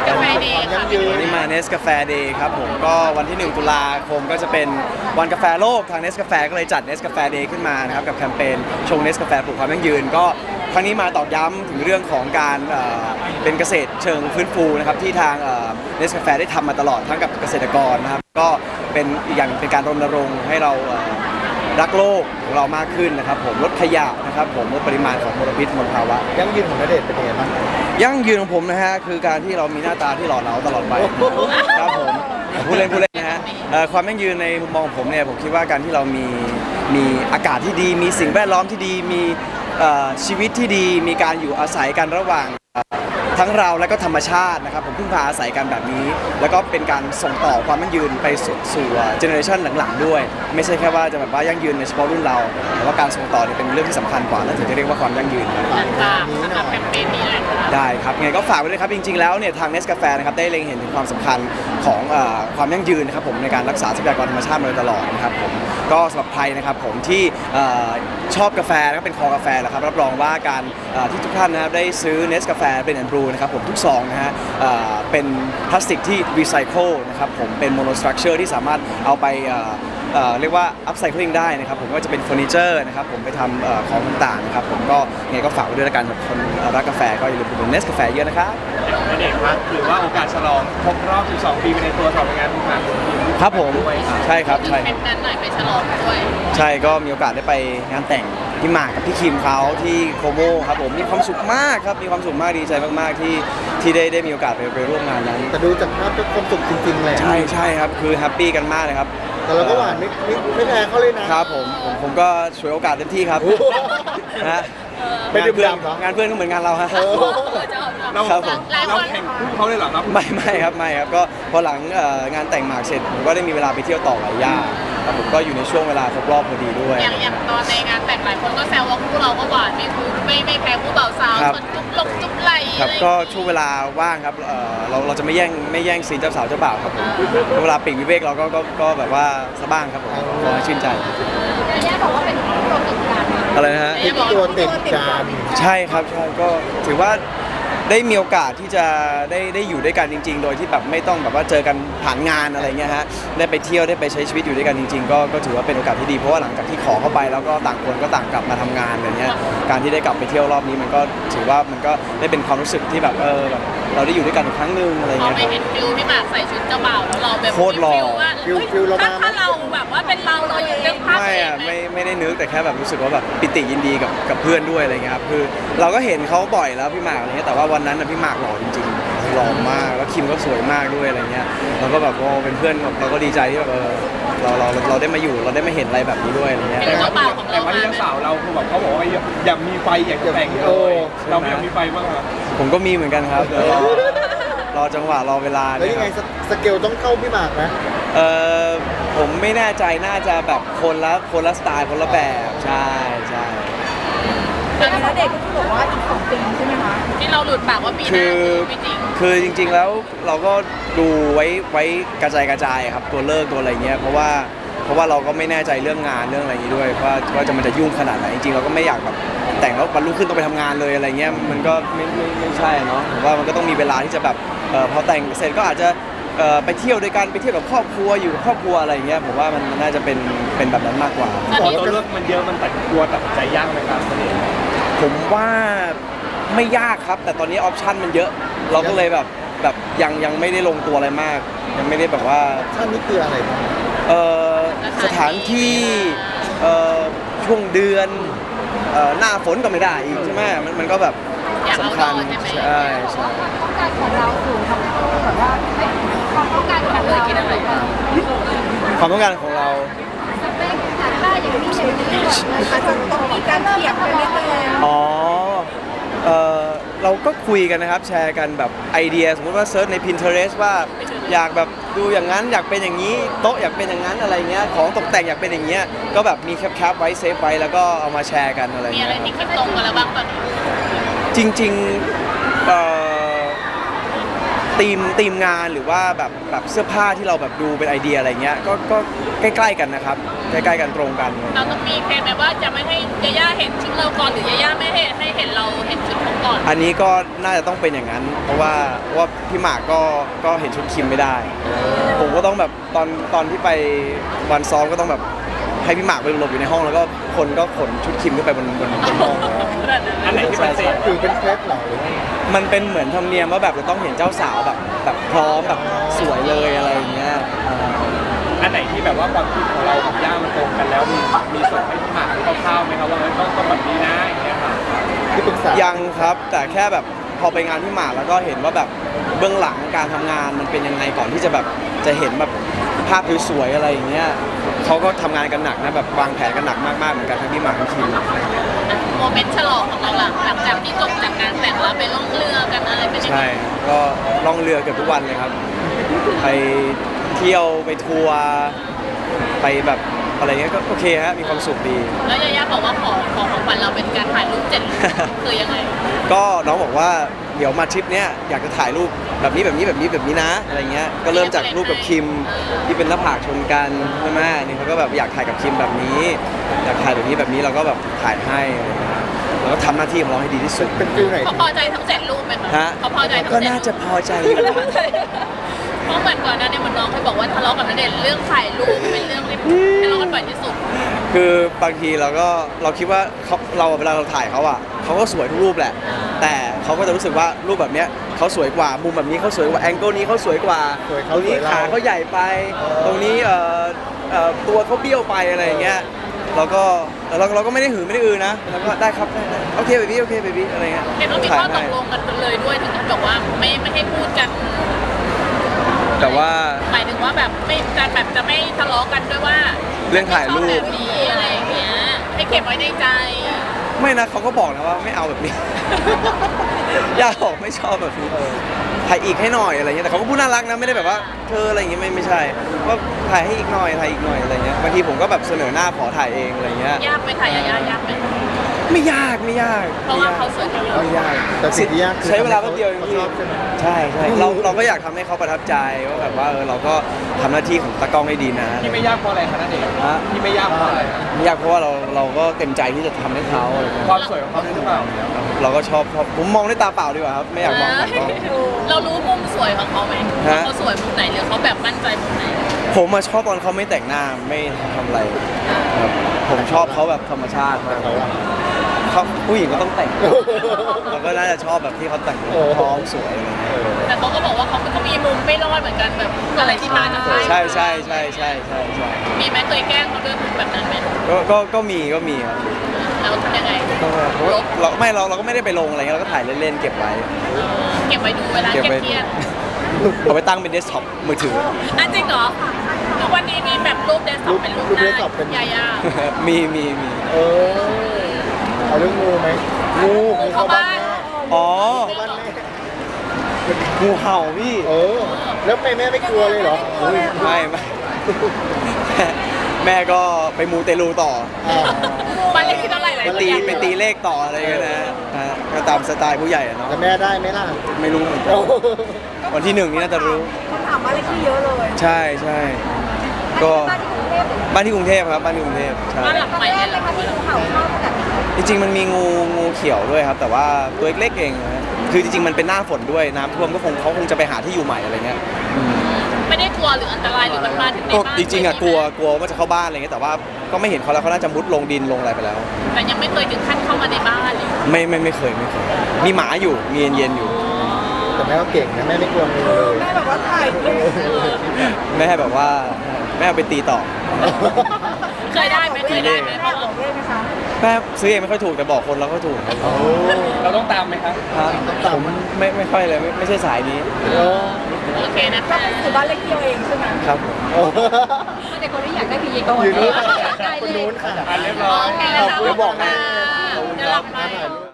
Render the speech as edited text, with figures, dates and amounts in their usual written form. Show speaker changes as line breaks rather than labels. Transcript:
กาแฟเดย์ค่ะ
วันนี้มาเนสกาแฟเดย์ครับผมก็วันที่1 ตุลาคมก็จะเป็นวันกาแฟโลกทางเนสกาแฟก็เลยจัดเนสกาแฟเดย์ขึ้นมานะครับกับแคมเปญชงเนสกาแฟปลูกความยั่งยืนก็ครั้งนี้มาตอกย้ำถึงเรื่องของการเป็นเกษตรเชิงฟื้นฟูนะครับที่ทางเนสกาแฟได้ทำมาตลอดทั้งกับเกษตรกรนะครับก็เป็นอีกอย่างเป็นการรณรงค์ให้เรารักโลกของเรามากขึ้นนะครับผมลดขยะนะครับผมลดปริมาณของมลพิษมลภาวะ
ยั่งยืนของณเดชน์เป็นยังไงบ้าง
ยั่งยืนของผมนะฮะคือการที่เรามีหน้าตาที่หล่อเหลาตลอดไปครับผมพูดเล่นนะฮะความยั่งยืนในมุมมองของผมเนี่ยผมคิดว่าการที่เรามีอากาศที่ดีมีสิ่งแวดล้อมที่ดีมีชีวิตที่ดีมีการอยู่อาศัยกันระหว่างทั้งเราและก็ธรรมชาตินะครับผมพึ่งพาอาศัยกันแบบนี้แล้วก็เป็นการส่งต่อความยั่งยืนไปสู่เจเนอเรชันหลังๆด้วยไม่ใช่แค่ว่าจะแบบว่ายั่งยืนในเฉพาะรุ่นเราแต่ว่าการส่งต่อเนี่ยเป็นเรื่องที่สำคัญกว่าและถึงจะเรียกว่าความยั่งยืน
สำหรับแคมเปญนี้เลยค่ะ
ได้ครับไงก็ฝากไว้ด้วยครับจริงๆแล้วเนี่ยทางเนสกาแฟนะครับได้เล็งเห็นถึงความสำคัญของความยั่งยืนนะครับผมในการรักษาทรัพยากรธรรมชาติมาโดยตลอดนะครับผมก็สำหรับใครนะครับผมที่ชอบกาแฟแล้วก็เป็นคอกาแฟนะครับรับรองว่าการที่ทุกท่านนะครับได้ซื้อเนสกาแฟเป็นแอนด์บรูนะครับผมทุกซองนะฮะเป็นพลาสติกที่รีไซเคิลนะครับผมเป็นโมโนสตรัคเจอร์ที่สามารถเอาไปเรียกว่าอัพไซคลิงได้นะครับผมก็จะเป็นเฟอร์นิเจอร์นะครับผมไปทำของต่างๆนะครับผมก็ไงก็ฝากไว้ด้วยละกันกับคนรักกาแฟก็อย่าลืมดูเนสกาแฟเยอะนะครับ
ณเดชน์ครับถือว่าโอกาสฉลองครบรอบ 12 ปีไปในตัวต่อไปงานทุกงาน
ครับผมใช่ครับใช่
เป็นนั้นหน่อยไปฉลองด้วย
ใช่ก็มีโอกาสได้ไปงานแต่งพี่หมากกับพี่คิมเขาที่โคโมครับผมมีความสุขมากครับมีความสุขมากดีใจมากๆที่ได้มีโอกาสไปร่วมงานนั้น
แต่ดูจากภาพเป็นความสุขจริงๆแหละ
ใช่ครับคือแฮปปี้กันมากเลยครับ
แต่เราก็หวานไม่แพ้เขาเลยนะครับ
ผมก็ฉวยโอกาสเต็มที่ครับนะ
ไม่ดื่มด่ำเหร
องานเพื่อนก็เหมือนงานเราฮะ
เราแข่งคู่เขาเลยเหรอครับ
ไม่ครับก็พอหลังงานแต่งหมากเสร็จผมก็ได้มีเวลาไปเที่ยวต่อหลายย่านครับผมก็อยู่ในช่วงเวลาครบรอบพอดีด้วย
อย่างตอนในงานแต่งหลายคนก็แซวว่าคู่เราก็หวานไม่แพ้คู่เบาสาวส่วนจุ๊บไหล
ครับก็ช่วงเวลาว่างครับเราจะไม่แย่งซีนเจ้าสาวเจ้าบ่าวครับผมเวลาปีกวิเวกเราก็แบบว่าสะบ้างครับผมขอให้ชื่นใจ
ย่าบอกว่าเป็นตัวติดกัน
อะไรนะฮะ
ตัวติดกัน
ใช่ครับใช่ก็ถือว่าได้มีโอกาสที่จะได้อยู่ด้วยกันจริงๆโดยที่แบบไม่ต้องแบบว่าเจอกันผ่านงานอะไรเงี้ยฮะได้ไปเที่ยวได้ไปใช้ชีวิตอยู่ด้วยกันจริงๆก็ถือว่าเป็นโอกาสที่ดีเพราะว่าหลังจากที่ขอเข้าไปแล้วก็ต่างคนก็ต่างกลับมาทำงานอะไรเงี้ยการที่ได้กลับไปเที่ยวรอบนี้มันก็ถือว่ามันก็ได้เป็นความรู้สึกที่แบบแบบเราได้อยู่ด้วยกันอีกครั้งนึงอะไรเงี้ย
ไม่เห็นฟิลพี่หมากใส่ชุดเจ้าบ่าวแล้วเราแบบ
โคตรหล่อ
ฟิลเรามา
ถ้าเราแบบว่าเป็นเราอยู่เรื่องภาพ
ไม่ได้นึกแต่แค่แบบรู้สึกว่าแบบปิติยินดีกับเพื่อนด้วยอะไรเงี้ยครับคือเราก็เห็นเขาบ่อยแล้วพี่หมากอะไรเงี้ยแต่ว่าวันนั้นพี่หมากหล่อจริงๆหล่อมากแล้วคิมก็สวยมากด้วยอะไรเงี้ยเราก็แบบเป็นเพื่อนเราก็ดีใจที่แบบเราได้มาอยู่เราได้มาเห็นอะไรแบบนี้ด้วยอะไรเงี้ย
แต่ว่าที่เจ้าสาวเราคือแบบเขาบอกว่าอยากมีไฟอยากจะแต่งเลยเราอยากมีไฟบ้างครับ
ผมก็มีเหมือนกันครับรอจังหวะรอเวลา
แล้วยังไงสเกลต้องเข้าพี่หมากนะ
ผมไม่แน่ใจน่าจะแบบคนละสไตล์คนละแบบใช่
แล้วเด็กก็บอกว่าอีก2 ปีใช่ไหมคะที่เราหลุดปากว่าปีหน้าไม่จริง
คือจริงๆแล้วเราก็ดูไว้กระจายครับตัวเลิกตัวอะไรเงี้ยเพราะว่าเราก็ไม่แน่ใจเรื่องงานเรื่องอะไรอย่างนี้ด้วยว่ามันจะยุ่งขนาดไหนจริงๆเราก็ไม่อยากแบบแต่งแล้ววันรุ่งขึ้นต้องไปทำงานเลยอะไรเงี้ยมันก็ไม่ใช่เนาะผมว่ามันก็ต้องมีเวลาที่จะแบบพอแต่งเสร็จก็อาจจะไปเที่ยวด้วยกันไปเที่ยวกับครอบครัวอยู่กับครอบครัวอะไรเงี้ยผมว่ามันน่าจะเป็นแบบนั้นมากกว่า
พอตัวเลือกมันเยอะมันตัดใจยากไหมครับ
ผมว่าไม่ยากครับแต่ตอนนี้ออปชั่นมันเยอะเราก็เลยแบบยังไม่ได้ลงตัวอะไรมากยังไม่ได้แบบว่า
ท่านนี้คืออะไรบ้าง
สถานที่ช่วงเดือนหน้าฝนก็ไม่ได้อีกใช่ไหมมันก็แบบสำคัญใช่
ต้องการของเราสูงทำให้เราแบบว่าความต้องการของเราคิดอะไรบ้าง
ความต้องการของเรา
สเปคถ้าอย่างนี้อาจจะต้องมีการเทียบกันนิดนึง
เราก็คุยกันนะครับแชร์กันแบบไอเดียสมมติว่าเซิร์ชใน Pinterest ว่าอยากแบบดูอย่างนั้นอยากเป็นอย่างนี้โต๊ะอยากเป็นอย่างนั้นอะไรเงี้ยของตกแต่งอยากเป็นอย่างเงี้ยก็แบบมีแคปไว้เซฟไว้แล้วก็เอามาแชร์กันอะไร
มีอะไรที่คิดตรงกันแล้วบ้างตอนนี้
จริงๆทีมงานหรือว่าแบบเสื้อผ้าที่เราแบบดูเป็นไอเดียอะไรเงี้ยก็ใกล้ๆกันนะครับใกล้ๆกันตรงกัน
เราต้องมีแผนไหมว่าจะไม่ให้ยาย่าเห็นชุดเราก่อนหรือยาย่าไม่ให้เห็นเราเห็นชุดเขาก่อน
อันนี้ก็น่าจะต้องเป็นอย่างนั้น เพราะว่าพี่หมากก็เห็นชุดคิมไม่ได้ ผมก็ต้องแบบตอนที่ไปวันซ้อมก็ต้องแบบให้พี่หมากไปหลบอยู่ในห้องแล้วก็คนก็ขนชุดคิมขึ้นไปบนห้อง
อันไหนที่เป็นเศษ
คือเป็นเคล็ดเหรอหรือว่า
มันเป็นเหมือนธรรมเนียมว่าแบบจะต้องเห็นเจ้าสาวแบบพร้อมแบบสวยเลยอะไรอย่างเงี้ย
อันไหนที่แบบว่าความคิดของเรากับย่ามันตรงกันแล้วมีส่งให้พี่หมากคร่าวๆไหมครับว่าต้องแบบนี้นะอย่างเงี้ยค่ะ
ที่ปรึกษา
ยังครับแต่แค่แบบพอไปงานพี่หมากแล้วก็เห็นว่าแบบเบื้องหลังการทำงานมันเป็นยังไงก่อนที่จะแบบจะเห็นแบบภาพสวยๆอะไรอย่างเงี้ยเขาก็ทำงานกันหนักนะแบบวางแผนกันหนักมากๆเหมือนกันทั้งพี่หมากทั้งคิม
โมเมนต์ฉลองของเราหลังจากที่จบจากงานแต่งแล้วไปล่องเรือกันอะไรเป็นยังไง
ใช่ก็ล่องเรือเกือบทุกวันเลยครับ ไปเที่ยวไปทัวร์ไปแบบอะไรเงี้ยก็โอเคฮะมีความสุขดี
แล้วยาย่าบอกว่าของขวัญเราเป็นการถ่ายรูป7 รูปคือยังไง
ก็น้องบอกว่าเดี๋ยวมาทริปเนี้ยอยากจะถ่ายรูปแบบนี้นะอะไรเงี้ยก็เริ่มจากรูปกับคิมที่เป็นหน้าผากชนกันใช่ไหมนี่เขาก็แบบอยากถ่ายกับคิมแบบนี้อยากถ่ายแบบนี้เราก็แบบถ่ายให้อะไรเงี้ยเราก็ทำหน้าที่ของเราให้ดีที่สุด
เป็นฟิลไหน
เขาพอใจทั้ง7 รูปไหมคะ
ฮะ
เขาพอใจทั้ง
ก็
7
น่าจะพอใจ
เพราะเหมือนก่อนหน้านี้เหมือนน้องเคยบอกว่าทะเลาะกับณเดชน์เรื่องถ่ายรูปเป็นเรื่องที่ทะเลาะกันบ่อยที่สุด
คือบางทีเราคิดว่าเราเวลาเราถ่ายเขาอ่ะเขาก็สวยทุกรูปแหละ แต่เขาก็จะรู้สึกว่ารูปแบบเนี้ยเขาสวยกว่ามุมแบบนี้เขาสวยกว่าแองเกิลนี้เขาสวยกว่าตรงนี้ขาเขาใหญ่ไป ตรงนี้ตัวเขาเบี้ยวไปอะไรอย่างเงี้ยเราก็ไม่ได้หือไม่ได้อือนะแล้วก็ได้ครับได้โอเคเบบี้อะไรเงี้ย
เห็นว่ามีข้อตกลงกันเลยด้วยถึงขั้นบอกว่าไม่ให้พูดกัน
แต่ว่า
หมายถึงว่าแบบไม่การแบบจะไม่ทะเลาะกันด้วยว่า
เรื่องถ่ายรู
ชอบแบ
ป
บนี้อะไรอย่างเงี้ยให้เก็บไว้ในใจ
ไม่นะเขาก็บอกนะว่าไม่เอาแบบนี้ ย่าบอกไม่ชอบแบบนี้ถ่ายอีกให้หน่อยอะไรเงี้ยแต่เขาก็พูดน่ารักนะไม่ได้แบบว่าเธออะไรอย่างเงี้ยไม่ใช่ว่าถ่ายให้อีกหน่อยอะไรเงี้ยบางทีผมก็แบบเสนอหน้าขอถ่ายเองอะไรเงี้ย
ยากไหมถ่ายยากยากไหม
ไม่ยาก
เพราะว่าเขาสวยที่เรา
ไม่ยาก
แต่สิ่งที่ยากคือ
ใช้เวลาแป๊บเดียวเอง
เขา
พี่
ชอบใช่ไหม
ใช่เราก็อยากทำให้เขาประทับใจว่าแบบว่าเราก็ทำหน้าที่ของตากล้องให้ดีนะ
ที่ไม่ยากเพราะอะไรคะนั่นเอง
ฮะ
ที่ไม่ยากเพราะอะไรครับ
ไม่ยากเพราะว่าเราก็เต็มใจที่จะทำให้เขาอะไรเงี้ย
ความสวยของเขาด้วยหรือเปล่า
เราก็ชอบผมมองด้วยตาเปล่าดีกว่าครับไม่อยากมองผ่านกล้อง
เรารู้มุมสวยของเขาไหม
ฮะ
เขาสวยมุมไหนหรือเขาแบบมั่นใจมุมไหน
ผมมาชอบตอนเขาไม่แต่งหน้าไม่ทำอะไรครับผมชอบเขาแบบธรรมชาติมาก
เขาอะ
เขาผู้หญิงก็ต้องแต่งเราก็น่าจะชอบแบบที่เขาแต่งพร้อมสวยอะไรเงี้ย
แต่เขาก็บอกว่าเขามีมุมไม่รอดเหมือนกันแบบอะไรที่มาจาก
ใช่
มีไหมเคยแกล้งเขาด้วยมุมแบบนั้นไหม
ก็มีครับ
แล้วทำยังไง
เราก็ไม่ได้ไปลงอะไรเงี้ยเราก็ถ่ายเล่นๆเก็บไว้
เก็บไว้ดูเวลา
เก็บไว้
เครียด
เอาไปตั้งเป็นเดสก์ท็อปมือถือ
ๆอันจริงเหรอทุกวันนี้มีแบบรูปเดสก์ท็อปเป็นรูปหน้ายาย่า
มี
เออเอาเรื่องงูไหมงูเข้าบ้าน
อ๋อ
เข้าบ้านแม่
งูเห่าพี่
แล้วแม่ไม่กลัวเลยเหรอ
ไม่แม่ก็ไปมูเตลูต่อ
บ้านเลขที่เท่าไหร่หลาย
ไปตีเลขต่ออะไรกันนะฮะก็ตามสไตล์ผู้ใหญ่อะเนาะ
แล้วแม่ได้ไหมล่ะ
ไม่รู้เหมือนกันวันที่ 1นี่น่าจะรู้
คำถามบ้านเลขที่เยอะเลย
ใช่ก็
บ้านที่กรุงเทพ
บ้านที่กรุงเทพครับบ้านที่กรุงเทพใช่
บ้านหลังใหม่
แร
เล
ก
ย
เลยค่ะที่งูเห่าชอบแบบ
จริงๆมันมีงูเขียวด้วยครับ แต่ว่าตัวเล็กๆเองนะคือจริงๆมันเป็นหน้าฝนด้วยน้ำท่วมก็เขาคงจะไปหาที่อยู่ใหม่อะไรเงี้ย
ไม่ได้กลัวหรืออันตรายหรือมันมาถึงใน
ก็
บ้าน
จริงๆอะกลัวว่าจะเข้าบ้านอะไรเงี้ยแต่ว่าก็ไม่เห็นเขาแล้วเขาน่าจะมุดลงดินลงอะไรไปแล้ว
แต่ยังไม่เคยถึงขั้นเข้ามาในบ้านเลย
ไม่เคยมีหมาอยู่มีเย็นๆอยู่
แต่แม่ก็เก่งนะแม่ไม่กลัวงูเลย
แม่แบบว่าถ่ายรูป
แม่แบบว่าแม่เอาไปตีต่อ
เคยได้ไหมเคยได้ไหม
แม่บอกเลขไหมคะ
แม่ซื้อเองไม่ค่อยถูกแต่บอกคนแล้วก็ถูกครับ
โอ้
เราต้องตามไหมครับ
ผมไม่ค่อยเลยไม่ใช่สายนี้
โอเคนะ
ก็
คะ
คือบ้านเลขที่เราเองใช่ไหม
ครับ
แต่คนที่อยากได้คือเยโกน
อยู่นู้น
ได้
คน
เล
นู้
ย
นค่ะ
อันเรียบร้
โอ
อย
เคนะคะ
เดี๋ยวบอกแม่
เดี๋ยวหลับไป